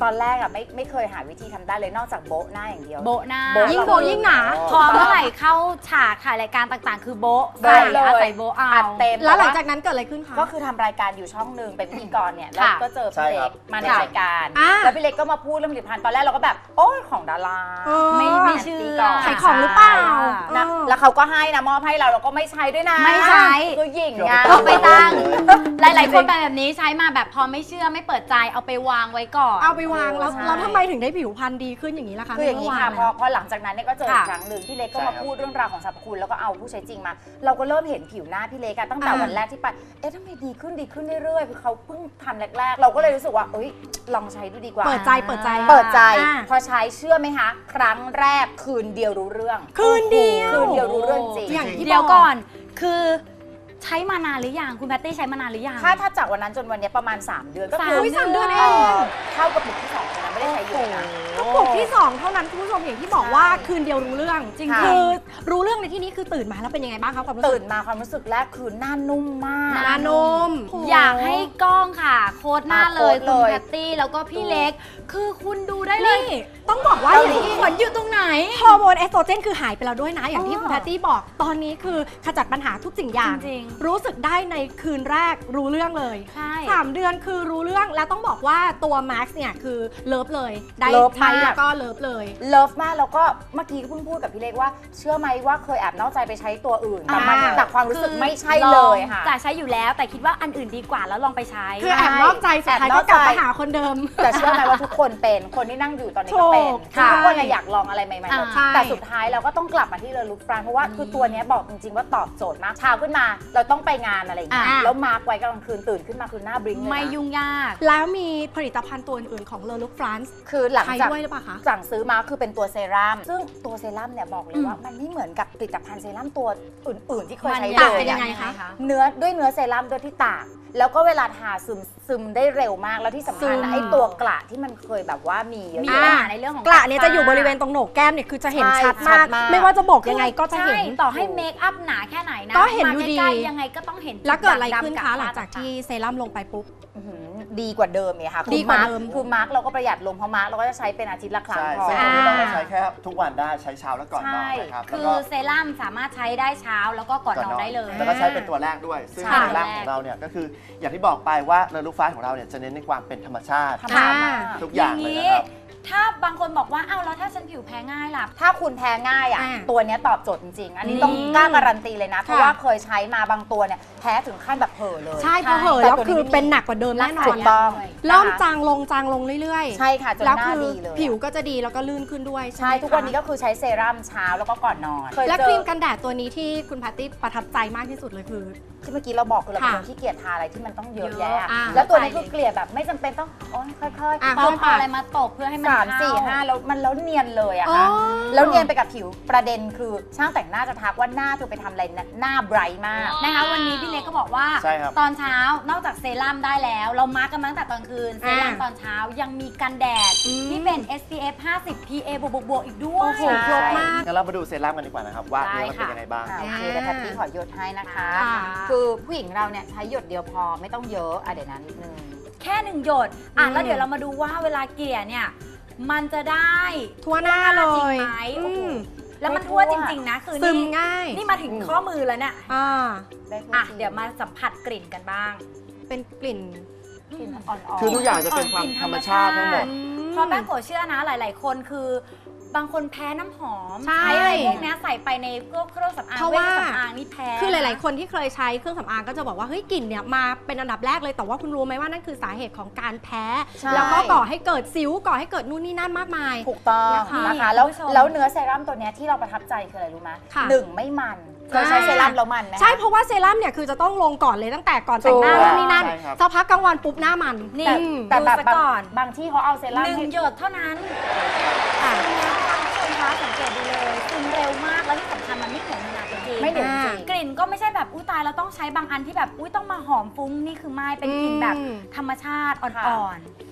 S6: ไม่เคยหาวิธีทำได้เลยนอกจากโบ๊ะหน้าอย่างเดียว
S4: โบะหน้า
S2: ยิ่งโบยิ่งหนา
S4: พอเมื่อไหร่เข้าฉากถ่ายรายการต่างๆ คือโบะ
S6: โบ๊ะเลย
S4: ใส่โบะเอา
S6: อัดเต็ม
S2: แล้วหลังจากนั้นเกิดอะไรขึ้นคะ
S6: ก็คือทำรายการอยู่ช่องหนึ่งเป็นพิธีกรเนี่ยแล้ว
S4: ค่ะ
S6: ก็เจอ
S5: ใช่
S6: พี่
S5: ครั
S6: เล็
S5: บ
S6: กมาใน
S2: ค่ะ
S6: รายการ
S2: อ่า
S6: แล้วพี่เล็กก็มาพูดเรื่องผลิตภัณฑ์ตอนแรกเราก็แบบโอ้ยของดารา
S4: ไม่เชื่อ
S2: ขายของหรือเปล่า
S6: นะแล้วเขาก็ให้นะมอบให้เราก็ไม่ใช้ด้วยนะ
S4: ไม่ใช้
S6: คือหญิงไง
S4: เอาไปตั้ง หลายๆคนเป็นแบบนี้ใช้มาแบบพอไม่เชื่อไม่เปิดใจเอาไปวางไว้ก่อน
S2: เอาไปวางแล้ว
S6: ใช่
S2: แล้วทำไมถึงได้ผิวพรรณดีขึ้นอย่างนี้ล่ะคะ
S6: คืออย่างนี้ค่ะ
S2: ใน
S6: พ
S2: เมื่
S6: อ
S2: วาน
S6: พอหลังจากนั้นเนี่ยก็เจออีก
S4: ค่ะ
S6: ครั้งหนึ่งพี่เล็กก็
S5: ใช่
S6: มา
S5: ครับ
S6: พูดเรื่องราวของสรรพคุณแล้วก็เอาผู้ใช้จริงมา เราก็เริ่มเห็นผิวหน้าพี่เล็กอะตั้งแต่
S2: อ่า
S6: วันแรกที่ไปเอ๊ะทำไมดีขึ้นเรื่อยๆคือเขาเพิ่งทำแรกๆ เราก็เลยรู้สึกว่าเอ้ยลองใช้ดูดีกว่า
S2: เปิดใจเปิดใจ
S6: เปิดใจ
S2: อ่า
S6: พอใช้เชื่อไหมคะ ครั้งแรกคืนเดียวรู้เรื่อง
S2: คืนเดียว
S6: คืนเดียวรู้เรื่องจริง
S2: อย่างที่
S4: เดี๋ยว
S2: บอก
S4: ก่อนคือใช้มานานหรือยังคุณแพตตี้ใช้มานานหรือยัง
S6: ถ้าจากวันนั้นจนวันเนี้ยประมาณ 3 เดือนก็คือ
S2: สามเดือนเอง
S6: เข้ากระปุกที่2นะไม่ได้ใช้เยอะนะ
S2: กระปุกที่ 2 เท่านั้นคุณผู้ชมอย่างที่บอกว่าคืนเดียวรู้เรื่อง
S6: จริง
S2: คือรู้เรื่องในที่นี้คือตื่นมาแล้วเป็นยังไงบ้างคะความรู้สึ
S6: ตื่
S2: ก
S6: นมาความรู้สึกแรกคือหน้านุ่มมาก
S2: หน้านม
S4: อยากให้กล้องค่ะ โค้ดหน้าเลย
S6: โค้ด
S4: คุณ
S6: เลย
S4: แพตตี้แล้วก็พี่เล็ก คือคุณดูได้เลย
S2: นี่ต้องบอกว่าอย่างที่
S4: ขนอยู่ตรงไหน
S2: ฮอร์โมนเอสโตรเจนคือหายไปแล้วด้วยนะ อย่างที่
S4: อ๋อ
S2: คุณแพตตี้บอกตอนนี้คือขจัดปัญหาทุกสิ่งอย่าง
S4: จริง
S2: รู้สึกได้ในคืนแรกรู้เรื่องเลย
S4: ใช่
S2: 3 เดือนคือรู้เรื่องแล้วต้องบอกว่าตัว Max เนี่ยคือเลิฟเลย ได้
S6: เลิฟ
S2: ใช้
S6: มาก
S2: แล้วก็เลิฟเลย
S6: เลิฟมากแล้วก็เมื่อกี้ก็เพิ่งพูดกับพี่เล็กว่าเชื่อไหมว่าเคยแอบนอกใจไปใช้ตัวอื่นแต่มัน
S2: อ่า
S6: แต่ความรู้สึกไม่ใช่
S4: ล
S6: เล
S4: อง
S6: ยค่ะ
S4: จะใช้อยู่แล้วแต่คิดว่าอันอื่นดีกว่าแล้วลองไปใช้
S2: คือแอบนอกใจสุดท้ายก็กลับมาหาคนเดิม
S6: แต่เชื่อไหมว่าทุกคนเป็นคนที่นั่งอยู่ตอนนี้ก็เป็น
S2: ถูก
S6: ทุกคน
S2: ใช่
S6: อยากลองอะไรใหม่ๆหมด
S2: ใช่
S6: แต่สุดท้ายเราก็ต้องกลับมาที่เลอลุคฟรานเพราะว่าคือตัวเนี้ยบอกจริงๆว่าตอบโจทย์มากเช้าขึ้นมา เราต้องไปงานอะไรอย่างเงี้ย
S2: อ่า
S6: แล้วมาร์กไว้กลางคืนตื่นขึ้นมาคือหน้าบลิงก์เลยนะ
S4: ไม่ยุ่งยาก
S2: แล้วมีผลิตภัณฑ์ตัวอื่นๆของเลอลุคฟรานซ์
S6: คือหลัง
S2: ใช้
S6: จาก
S2: ด้วยหรือเปล่าคะ
S6: สั่งซื้อมาคือเป็นตัวเซรั่มซึ่งตัวเซรั่มเนี่ยบอกเลยว่ามันไม่เหมือนกับผลิตภัณฑ์เซรั่มตัวอื่นๆที่เคยใช้
S2: ต่าง
S6: เล
S2: เป็น
S6: ย
S2: ยังไง
S6: อะ
S2: คะ
S6: เนื้อเซรั่มด้วยที่ตากแล้วก็เวลาทาซึมได้เร็วมากแล้วที่สำคัญ
S2: ซึ
S6: นะ
S2: ม
S6: ไอ้ตัวกระที่มันเคยแบบว่ามีเยอะ
S4: มี
S6: แยะ
S4: ปัญหาในเรื่องของ
S2: กระเนี่ยจะอยู่บริเวณตรงโหนกแก้มเนี่ยคือจะเห็น
S6: ใช่
S2: ชัด
S6: ชั
S2: มา
S6: ด
S2: ก
S6: มาก
S2: ไม่ว่าจะโบกยังไงก็จะเห็น
S4: ใช่ต่อให้เมคอัพหนาแค่ไหนนะ
S2: ก็เห็นอยู่ดี
S4: มาใกล้ๆยังไงก็ต้องเห็น
S2: แล้วเกิดอะไรขึ้น
S4: ดำๆ
S2: คะ
S4: บ
S2: หลังจากที่เซรั่มลงไปปุ๊บ
S6: อื้อหือดีกว่าเดิมเนี่ยค่ะ
S2: ดีกว่าเดิม
S6: คือมาร์กเราก็ประหยัดลงเพราะมาร์กเราก็จะใช้เป็นอาทิตย์ละครั้ง
S5: ใช่
S6: พอ
S5: ซึ่งตรงนี้เราก็ใช้แค่ทุกวันได้ใช้เช้าและก่อนนอนนะครับ
S4: คื
S5: แล้ว
S4: อ
S5: ก็
S4: เซรั่มสามารถใช้ได้เช้าแล้วก็ก่อนนอนได้เลย
S5: แล้วก็ใช้เป็นตัวแรกด้วย ซึ่ง
S4: ใช่
S5: ตัวแรกของเราเนี่ยก็คืออย่างที่บอกไปว่าเลอลูฟ้าของเราเนี่ยจะเน้นในความเป็นธรรมชาติ
S6: ธรรมชาติมาก
S5: ทุกอย่างเลยนะครับ
S4: ถ้าบางคนบอกว่าอ้าวแล้วถ้าฉันผิวแพ้ง่ายล่ะ
S6: ถ้าคุณแพ้ง่ายอ่ะ
S2: อ่า
S6: ตัวเนี้ยตอบโจทย์จริงๆ อันนี้ต้องกล้าการันตีเลยนะ เพราะว่าเคยใช้มาบางตัวเนี่ยแพ้ถึงขั้นแบบเห่อะเลย
S2: ใช่พอเหอะ
S6: แต่
S2: แล้ว
S6: ตัวนี้
S2: คือเป็นหนักกว่าเดิมแน่นอ
S6: ถู
S2: น
S6: กต้อง
S2: เริ่ม
S6: นะคะ
S2: จางลงเรื่อยๆ
S6: ใช่ค่ะจน
S2: แล้ว
S6: หน้า
S2: คือ
S6: ดีเลย
S2: ผิวก็จะดีแล้วก็ลื่นขึ้นด้วย
S6: ใช่
S2: ไหม
S6: ทุกวันนี้
S2: คะ
S6: ก็คือใช้เซรั่มเช้าแล้วก็ก่อนนอนเคย
S2: และ
S6: เจ
S2: ครี
S6: อ
S2: มกันแดดตัวนี้ที่คุณแพตตี้ประทับใจมากที่สุดเลยคือ
S6: ที่เมื่อกี้เราบอกคือเราเป็น
S2: ค่ะ
S6: คนที่เกลียดทาอะไรที่มันต้องเยอะ
S4: เยอะ
S6: แยะ
S2: อ่า
S6: แล้วตัวนี้คือเกลียดแบบไม่จำเป็นต้องโอ๊ยค่อย
S2: อ่ะ
S4: ต้องเอาอะไรมาตบเพื่อให้มัน
S6: 3 4 5แล้วมันแล้วเนียนเลยอะ
S2: อ๋อ
S6: ค่ะแล้วเนียนไปกับผิวประเด็นคือช่างแต่งหน้าจะทักว่าหน้าเธอไปทำอะไรนะหน้าไบรท์มาก
S4: นะคะวันนี้พี่เล็กก็บอกว่า
S5: ใช่ครับ
S4: ตอนเช้านอกจากเซรั่มได้แล้ว เรามาร์กกันมาตั้งแต่ตอนคืน เซรั่มตอนเช้ายังมีกันแดด
S2: อืม
S4: ที่เป็น SPF 50 PA บวกๆอีกด้วย
S2: โอ้โห ครบมาก
S5: งั้นเรามาดูเซรั่มกันดีกว่านะครับว่า
S4: ได้
S5: เนื้อมันเป็น
S4: ค่ะ
S5: ยังไงบ้าง
S6: โอเคแต่แพตตี้ขอหยดให้นะคะ
S2: ค่ะ
S6: คือผู้หญิงเราเนี่ยใช้หยดเดียวพอไม่ต้องเยอะอ่ะเดี๋ยวนะนิดนึง
S4: แค่1 หยดแล้วเดี๋ยวเรามาดูว่าเวลาเกลี่ยเนี่ย มันจะได้
S2: ทั่วหน้าเล
S4: จริง
S2: ย
S4: ไหม
S2: อื
S4: โอ้โห
S2: ม
S4: แล้วมันทั่วจริง ๆ นะ คือ
S2: ซึม
S4: นี่
S2: ง่าย
S4: นี่มาถึงข้อมือแล้วเนี่ย
S2: อ่า
S6: ได้ทั่ว
S4: อ่ะ
S6: ที
S4: เดี๋ยวมาสัมผัสกลิ่นกันบ้าง
S2: เป็นกลิ่น
S6: กลิ่นอ่อนๆ
S5: คือทุกอย่างจะเป็นความธรรมชาติทั้งหมด
S4: เพราะแป้งโกะเชื่อนะหลาย ๆ คนคือบางคนแพ้น้ำหอม
S2: ใช่
S4: อะไรพวกเนี้ยใส่ไปในพวกเครื่องสำอาง
S2: เพราะ
S4: เวช
S2: ว่า
S4: สำอางนี่แพ้
S2: คือหลาย ๆ คนที่เคยใช้เครื่องสำอางก็จะบอกว่าเฮ้ยกลิ่นเนี่ยมาเป็นอันดับแรกเลยแต่ว่าคุณรู้ไหมว่านั่นคือสาเหตุของการแพ้
S6: ใช่
S2: แล้วก็ก่อให้เกิดสิวก่อให้เกิดนู่นนี่นั่นมากมาย
S6: ถูกต้อง
S2: นะคะ
S6: นะคะแล้วเนื้อเซรั่มตัวเนี้ยที่เราประทับใจคืออะไรรู้ไหม
S2: ค่ะ
S6: หนึ่งไม่มันเคยใช้เซรั่มแล้วมันไหม
S2: ใช่เพราะว่าเซรั่มเนี่ยคือจะต้องลงก่อนเลยตั้งแต่ก่อนแต่งหน้า
S6: ถูก
S2: นู่นนี่นั่น
S5: ใช่ครับ
S2: สักพักกลางวันปุ๊บหน้ามัน
S4: นี่
S6: แต่
S4: ดู
S6: แบบ
S4: ซะก่อน
S6: บางที่เขาเอาเซรั่ม
S4: หนึ่
S6: ให้
S4: งหยดเท่านั้น
S2: ค่ะ
S4: ซึมแล้วนะคะคุณผู้ชมคะสังเกตดูเลยซึมเร็วมากแล้วที่สำคัญมันไม่เหนียวหนักจริงๆ
S6: ไม่เหนียวจริง
S4: กลิ่นก็ไม่ใช่แบบอุ้ยตายเราต้องใช้บางอันที่แบบอุ้ยต้องมาหอมฟุ้งนี่คือไม่เป็นกลิ่นแบบธรรมชาติอ่อน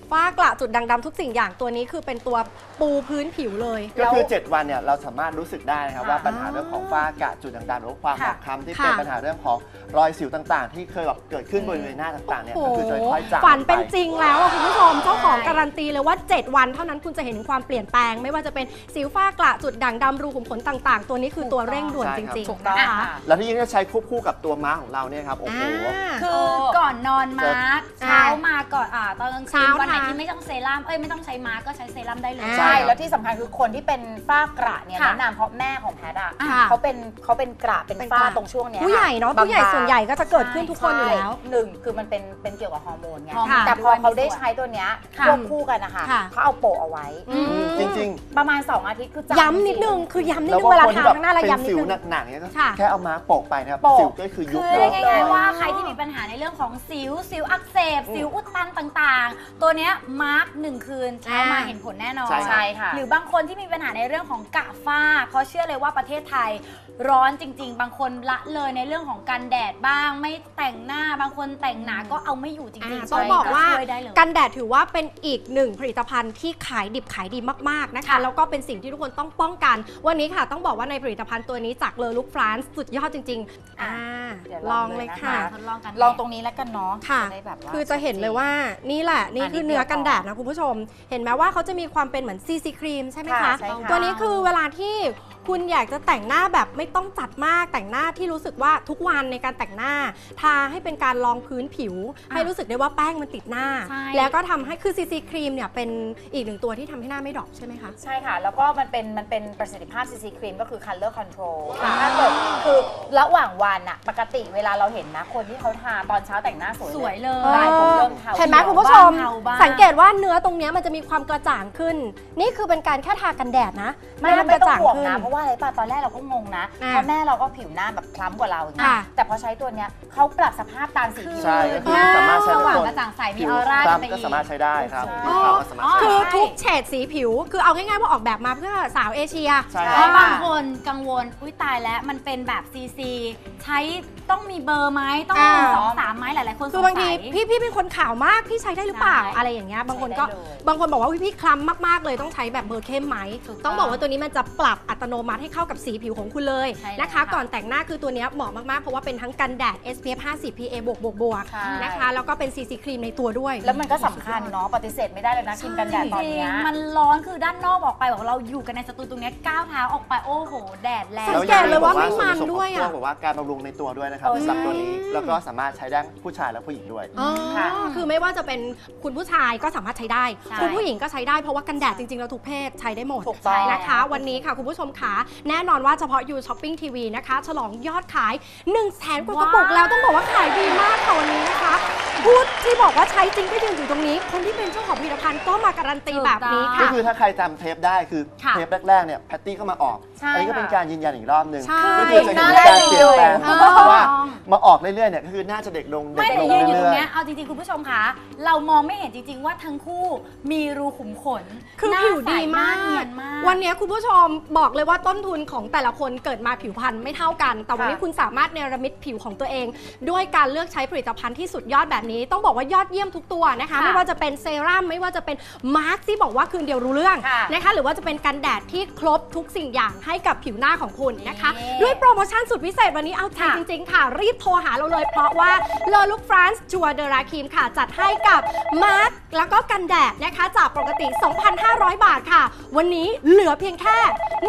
S2: ฝ้ากระจุดด่างดำทุกสิ่งอย่างตัวนี้คือเป็นตัวปูพื้นผิวเลย
S5: ก็คือ 7 วันเนี่ยเราสามารถรู้สึกได้นะครับว่าปัญหาเรื่องของฝ้ากระจุดด่างๆหรือว่าความหมองคล้ำที่เป็นปัญหาเรื่องของรอยสิวต่างๆ ที่เคยแบบเกิดขึ้นบริเวณหน้าต่างๆเนี่ยก็คือจะค่อยๆจาง
S2: ฝันเป็น
S5: ไป
S2: จริงแล้วอะคุณผู้ชมเจ้าของการันตีเลยว่า 7 วันเท่านั้นคุณจะเห็นความเปลี่ยนแปลง ไม่ว่าจะเป็นสิวฝ้ากระจุดด่างดำรูขุมขนต่างๆ ตัวนี้คือตัวเร่งด่วนจริง
S6: ถูก
S2: ๆ
S6: ต้อง
S2: นะคะ
S6: ค่ะ
S5: แล้วที่ยิ่งจะใช้ควบคู่กับตัวม้าของเราเนี่ยครับโอ้โห
S4: คือก่อนนอนมาร์กเช้ามาก่อนตอนกลางคื
S2: เช้าน
S4: วันไหน
S2: ทา
S4: ที่ไม่ต้องเซรั่มไม่ต้องใช้มาร์กก็ใช้เซรั่มได้เลย
S6: ใช่ แล้วที่สำคัญคือคนที่เป็นฝ้ากระเนี่ย
S4: ค่ะ
S6: แนะนำเพราะแม่ของแพทย์อ่ะ
S2: ค่ะ
S6: เขาเป็นกระเป็น
S2: เป็น
S6: ฝ้าก
S2: ระ
S6: ตรงช่วงเนี้ย
S2: ผู้ใหญ่เนาะ
S6: บงๆ
S2: ผู้ใหญ่ส่วนใหญ่ก็จะเกิดขึ้นทุกคนอยู่แล้ว
S6: ใช่หนึ่งคือมันเป็นเกี่ยวกับฮอร์โมนไง
S4: ฮอร์โมน
S6: แต่พอเขา
S4: ด้วย
S6: ได้ใช้ตัวเนี้ย
S2: ค่ะ
S6: ควบคู่กันนะคะ
S2: ค่ะ
S6: เขาเอาโปะเอาไว้
S5: จริง
S6: ประมาณ 2 อาทิตย์คือจาง
S2: ย้ำนิดนึงคือย้ำ
S5: ๆ
S2: นิด
S5: แล้ว
S2: นึงเว
S5: ว่า
S2: ลา
S5: คน
S2: ทา
S5: ที่แบบ
S2: ข้างหน้าเรา
S5: เป็น
S2: ย้ำนิ
S5: สิ
S2: ด
S5: ว
S2: นึง
S5: หนักๆเนี่ยก็
S2: ค่ะ
S5: แค่เอาม้าโปะไปนะครับ
S6: โปะ
S5: สิวก็คือยุบ
S4: คือ
S5: แล้ว
S4: เรียกง่ายๆว่าใครที่มีปัญหาในเรื่องของสิวอักเสบสิวอุดตันต่างๆ ตัวเนี้ยมาร์ก1 คืนเช้ามาเห็นผลแน่นอน
S6: ใช่ค่ะ
S4: หรือบางคนที่มีปัญหาในเรื่องของกระฝ้าเพราะเชื่อเลยว่าประเทศไทยร้อนจริง ๆ บางคนละเลยในเรื่องของการแดดบ้าง ไม่แต่งหน้าบางคนแต่งหนาก็เอาไม่อยู่จริงๆ
S2: ต้องบอกว่า
S4: ช่ยได้เลย
S2: กันแดดถือว่าเป็นอีกหนึ่งผลิตภัณฑ์ที่ขายดิบขายดีมากๆนะคะ
S4: ค่ะ
S2: แล้วก็เป็นสิ่งที่ทุกคนต้องป้องกัน วันนี้ค่ะต้องบอกว่าในผลิตภัณฑ์ตัวนี้จากเลอลุกฟรานซ์สุดยอดจริงๆ
S6: เดี๋ยว
S2: ล
S6: ล
S2: อ
S6: อง ง
S2: เล
S6: เลย ยนะคะ
S2: ค่ะ
S4: ทดลองกัน
S6: ลองตรงนี้แล้วกันเนาะ
S2: ค่ะ
S6: จะได้แบบว่า
S2: คือจะเห็นเลยว่านี่แหละนี่คือเนื้อกันแดดนะคุณผู้ชม เห็นไหมว่าเขาจะมีความเป็นเหมือนซีครีมใช่ไหมคะ
S6: ใช่ค่ะ
S2: ตัวนี้คือเวลาที่คุณอยากจะแต่งหน้าแบบไม่ต้องจัดมากแต่งหน้าที่รู้สึกว่าทุกวันในการแต่งหน้า ทาให้เป็นการรองพื้นผิว ให้รู้สึกได้ว่าแป้งมันติดหน้า
S4: ใช่
S2: แล้วก็ทำให้คือซีครีมเนี่ยเป็นอีกหนึ่งตัวที่ทำให้หน้าไม่ดรอปใช่ไหมคะ
S6: ใช่ค่ะ แล้วก็มันเป็นประสิทธิภาพ CC ครีมก็คือ color control ถ้าเกิดคือระหว่างวันอะปกติเวลาเราเห็นนะ คนที่เขาทาตอนเช้าแต่งหน้าสวย
S4: สวยเลย
S6: ได้ผมเริ่มทา
S2: เห็นไหมคุณผู้ชม
S4: เทาบ้าง
S2: สังเกตว่าเนื้อตรงเนี้ยมันจะมีความกระจ่างขึ้น นี่คือเป็นการแค่ทากันแดดนะ
S6: ไม่
S2: หน้า
S6: ไม่ต้อง
S2: กระจ่าง
S6: ห่วง
S2: ขึ้น
S6: นะ เพราะว่าอะไรป่ะตอนแรกเราก็งงนะ
S2: อ่า
S6: เพราะแม่เราก็ผิวหน้าแบบคล้ำกว่าเราอย่างเงี้
S2: ค่ะ
S6: ยแต่พอใช้ตัวเนี้ยเขาปรับสภาพตามสีผิว
S5: ใช่ก็คือสามารถใช้
S4: ส
S5: ทุก
S4: ว่าง
S5: คน
S4: กระจ่างใสมี
S5: ผิ
S4: อ
S5: ว
S4: อร่า
S5: ค
S4: กัน
S5: ล้ำ
S4: ไป
S5: ก็
S4: อีก
S5: สามารถใช้ได้ครับ
S6: ใช่
S5: ผิวขาวก็สามารถใช้
S2: คือ
S5: ได้
S2: ทุกเฉดสีผิว คือเอาง่ายๆว่าออกแบบมาเพื่อสาวเอเชีย
S5: ใช่
S4: เพราะบางคนกังวลอุ้ยตายแล้วมันเป็นแบบซีใช้ต้องมีเบอร์ไหมต้องมี
S2: อ่า
S4: 1 2 3ไหมหลายๆคนสงสัย
S2: คือบางทีพี่เป็นคนขาวมากพี่ใช้ได้หรือเปล่า
S4: ใช่
S2: อะไรอย่างเงี้ยบางคนก็
S6: ใช้ได้เลย
S2: บางคนบอกว่าอุ๊ยพี่คล้ำมากๆเลยต้องใช้แบบเบอร์เข้มไหม
S4: ถูกต้อง
S2: ต้องบอกว่าตัวนี้มันจะปรับอัตโนมัติให้เข้ากับสีผิวของคุณเลย
S4: ใช่แล้ว
S2: นะคะ
S4: ค่ะ
S2: ก่อนแต่งหน้าคือตัวเนี้ยเหมาะมากๆเพราะว่าเป็นทั้งกันแดด SPF 50 PA บวก
S6: ใช่
S2: นะคะแล้วก็เป็น CC ครีมในตัวด้วย
S6: แล้วมันก็สำคัญเนาะปฏิเสธไม่ได้เลยนะกินกันแดดตอนเนี้ย
S4: จริงมันร้อนคือด้านนอกออกไปบอกเราอยู่กันในสตูตรงเนี้ยก้าวเท้าออกไปโอ้โห แดดแรง
S2: สังเกตเลยว่าไม่มันด้วยอะ
S5: ส่นผสมของพวกแบบว่าการบำรุงในตัวด้วยนะครับ
S6: เออ
S5: สำหรับตัวนี้
S2: ใช่
S5: แล้วก็สามารถใช้ได้ผู้ชายและผู้หญิงด้วย
S2: อ๋อ
S6: ค่ะ
S2: คือไม่ว่าจะเป็นคุณผู้ชายก็สามารถใช้ได้
S4: ใช่
S2: คุณผู้หญิงก็ใช้ได้เพราะว่ากันแดดจริงๆแล้วทุกเพศใช้ได้หมด
S6: ถูกต้อง
S2: นะคะ วันนี้ค่ะคุณผู้ชมขาแน่นอนว่าเฉพาะ You Shopping TV นะคะ ฉลองยอดขาย 100,000 กว่ากระปุกแล้วต้องบอกว่าขายดีมากค่ะวันนี้นะคะพูดที่บอกว่าใช้จริงก็ยืนอยู่ตรงนี้ คนที่เป็นเจ้าของผลิตภัณฑ์ก็มาการันตีแบบนี้
S5: ก็
S2: ค่ะ
S5: คือถ้าใครจำเทปได้คือ
S4: ค่ะ
S5: เทปแรกๆเนี่ยแพตตี้ก็มาออก
S6: ใช่
S5: อันนี้ก็เป็นการยืนยันอีกรอบหนึ่ง
S2: ใช่
S5: ก็คือจะเห็นการเปลี่ยนแปลง
S2: เออ
S5: เพราะว่ามาออกเรื่อยๆเนี่ยก็คือน่าจะเด็กลงเด็
S4: ไม่
S5: ก
S4: แต่
S5: ลง
S4: ยืนอยู่ตร
S5: เรื่
S4: ง
S5: อย
S4: เนี้ยเอาจริงๆ คุณผู้ชมคะ เรามองไม่เห็นจริงๆ ว่าทั้งคู่มีรูขุมขน
S2: คือ
S4: หน้า
S2: ผิวดีมาก
S4: ใสหน้เนียนมาก
S2: วันนี้คุณผู้ชมบอกเลยว่าต้นทุนของแต่ละคนเกิดมาผิวพรรณไม่เท่ากัน แต่วันนี้
S6: ค่ะ
S2: คุณสามารถเนรมิตผิวของตัวเอง ด้วยการเลือกใช้ผลิตภัณฑ์ที่สุดยอดแบบนี้ ต้องบอกว่ายอดเยี่ยมทุกตัวนะคะ
S4: ค่ะ
S2: ไม่ว่าจะเป็นเซรั่มไม่ว่าจะเป็นมาร์คที่บอกว่าคืนเดียวรู้เรื่อง
S6: ค่ะ
S2: นะคะ หรือว่าจะเป็นกันแดดที่ครบทุกสิ่งอย่างให้กับผิวหน้าของคุณนะคะ
S4: นี่
S2: ด้วยโปรโมชั่นสุดพิเศษวันนี้เอาใจจริงๆค่ะ รีบโทรหาเราเลย เพราะว่าเลอลุกฟรานซ์จัวเดราครีมค่ะ จัดให้กับมาร์คแล้วก็กันแดดนะคะจากปกติ 2,500 บาทค่ะ วันนี้เหลือเพียงแค่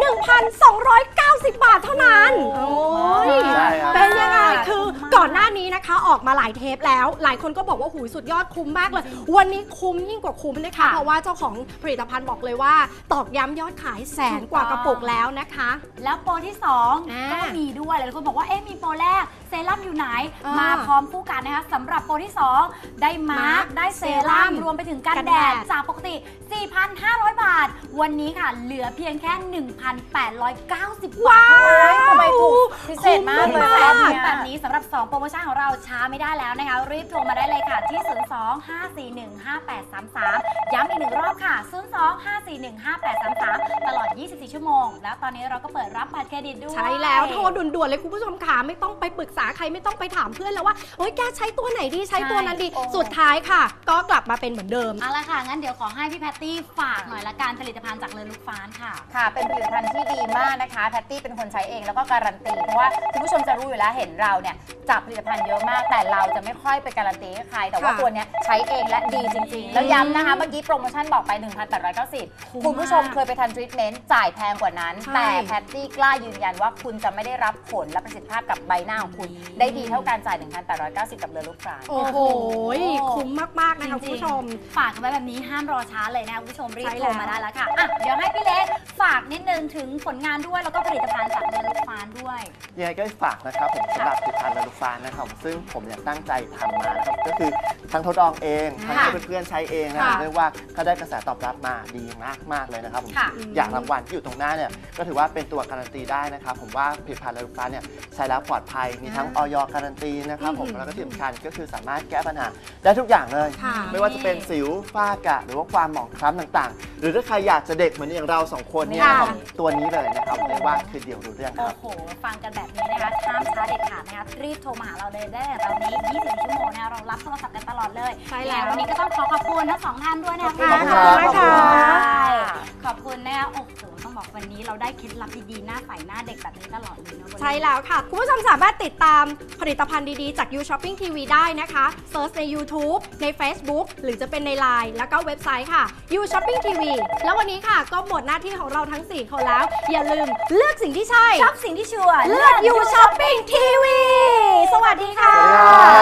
S2: 1,290 บาทเท่านั้นโอ้ย
S5: ใช่ครับ
S2: เป็นยังไงคือก่อนหน้านี้นะคะออกมาหลายเทปแล้ว หลายคนก็บอกว่าหูยสุดยอดคุ้มมากเลย วันนี้คุ้มยิ่งกว่าคุ้มนะคะ เพราะว่าเจ้าของผลิตภัณฑ์บอกเลยว่า ตอกย้ำยอดขาย100,000 กว่ากระปุกแล้วนะคะ
S4: แล้วโปรที่
S2: อ่า
S4: 2 ก็มีด้วยหลายคนบอกว่าเอ๊ะมีโปรแรกเซรั่มอยู่ไหน
S2: อ่าม
S4: มาพร้อมคู่กันนะคะสำหรับโปรที่ 2 ได้มาร์กได้เซรั่มรวมไปถึงกัน
S2: กัน
S4: แด
S2: แด
S4: ด
S2: ด
S4: จากปกติ 4,500 บาท วันนี้ค่ะเหลือเพียงแค่ 1,890 บาทเท่านั้น
S6: ทำไมถูกพิเศษมากเลย
S2: คุ้
S6: แบ
S2: ม
S6: บ
S2: มาก
S6: เนี้ย
S4: แบบนี้สำหรับ 2 โปรโมชั่นของเราช้าไม่ได้แล้วนะคะ รีบโทรมาได้เลยค่ะที่ 02-541-5833 ย้ำอีกหนึ่งรอบค่ะ 02-541-5833 ตลอด 24 24 ชั่วโมงแล้วตอนนี้เราก็เปิดรับบัตรเครดิตด้วย
S2: ใช่แล้วโทรด่วนๆเลยคุณผู้ชมค่ะไม่ต้องไปปรึกษาใครไม่ต้องไปถามเพื่อนแล้วว่าโอ๊ยแกใช้ตัวไหนดีใช้ตัวนั้นดี
S6: โอ้
S2: สุดท้ายค่ะ ก็กลับมาเป็นเหมือนเดิม
S4: เอาละค่ะ งั้นเดี๋ยวขอให้พี่แพตตี้ฝากหน่อยละกันผลิตภัณฑ์จากเลอลูกฟ้านค่ะ
S6: ค่ะ เป็นผลิตภัณฑ์ที่ดีมากนะคะแพตตี้เป็นคนใช้เองแล้วก็การันตีเพราะว่าคุณผู้ชมจะรู้อยู่แล้วเห็นเราเนี่ยจับผลิตภัณฑ์เยอะมากแต่เราจะไม่ค่อยไปการันตีให้ใครแต่ว่า
S2: ค่ะ
S6: ตัวเนี้ยใช้เองและดีจริงๆ แล้วย้ำนะคะเมื่อกี้โปรโมชั่นบอกไป 1,890 คุณผู้ชมเคยไปทันทรีทเมนต์จ่ายแพงกว่านั้น
S2: ใช่
S6: แต่แพตตี้กล้ายืนยันว่าคุณจะไม่ได้รับผลและประสิทธิภาพกับใบหน้าของคุณได้ดีเท่าการจ่าย 1,890 กับเลอลูกฟ้าน
S2: โอ้โหคุ้มมากๆนะคะคุณผู้ชม
S4: ฝากกันไว้แบบนี้ห้ามรอช้าเลยนะคุณผู้ชมรีบ
S2: ใช่
S4: โทรมา
S2: แล้ว
S4: ได้แล้วค่ะอ่ะ เดี๋ยวให้พี่เล็กฝากนิดนึงถึงผลงานด้วยแล้วก็ผลิตภัณฑ์จากเลอลูกฟ้านด้วย
S5: ยังไงก็ฝากนะครับผมสำหรับผลิตภัณฑ์เลอลูฟานนะครับซึ่งผมเนี่ยตั้งใจทำมานะครับก็คือทั้งทดลองเองทั้งให้เพื่อนๆใช้เองนะ
S2: ค่ะ
S5: เรียกว่าก็ได้กระแสตอบรับมาดีมากๆเลยนะครับผม
S6: ค่ะ
S5: อย่างรางวัลที่อยู่ตรงหน้าเนี่ยก็ถือว่าเป็นตัวการันตีได้นะครับผมว่าผลิตภัณฑ์เลอลูฟานเนี่ยใช้แล้วปลอดภัยมีทั้งออยการันตีนะครับผมแล้วก็ที่สำคัญก็คือสามารถแก้ปัญหาได้ทุกอย่างเลย
S2: ค่ะ
S5: ไม่ว่าจะเป็นสิวฝ้ากระหรือว่าความหมองคล้ำต่างๆ หรือถ้าใครอยากจะเด็กเหมือนอย่างเราสองคนเนี่ยนะครับตัวนี้เลยนะครับเรียกว่าคือเดี่ยวรู้เรื่องค
S4: โอ้
S5: รับ
S4: โห ฟังกันแบบนี้นะคะห้ามช้าเด็ดขาดนะคะรีบโทรมาหาเราเลยได้แต่ตอนนี้ 24 ชั่วโมงนะคะเรารับโทรศัพท์กันตลอดเลย
S2: ใช่แล้ว
S4: วันนี้ก็ต้องขอบคุณทั้งสองท่านด้วยนะคะ
S5: ขอบคุณครับ
S2: ขอบคุณค่ะ
S4: ขอบคุณนะคะโอ้โหต้องบอกวันนี้เราได้เคล็ดลับดีๆหน้าใสหน้าเด็กแบบนี้ตลอดเลยนะวันนี้
S2: ใช่แล้วค่ะ คุณผู้ชมสามารถติดตามผลิตภัณฑ์ดีๆ จาก You Shopping TV ได้นะคะเซิร์ชใน YouTube ใน Facebook หรือจะเป็นใน Line แล้วก็เว็บไซต์ค่ะ You Shopping TV แล้ววันนี้ค่ะก็หมดหน้าที่ของเราทั้ง 4 คนแล้ว อย่าลืมเลือกสิ่งที่ใช่
S4: ชอบสิ่งที่ชัวร์
S2: เลือก You Shopping TV สวัสดีค่ะ
S5: สวัสดีครับ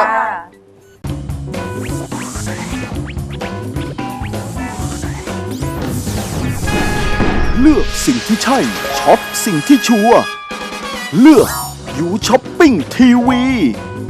S1: เลือกสิ่งที่ใช่ช็อปสิ่งที่ชัวร์เลือกอยู่ช้อปปิ้งทีวี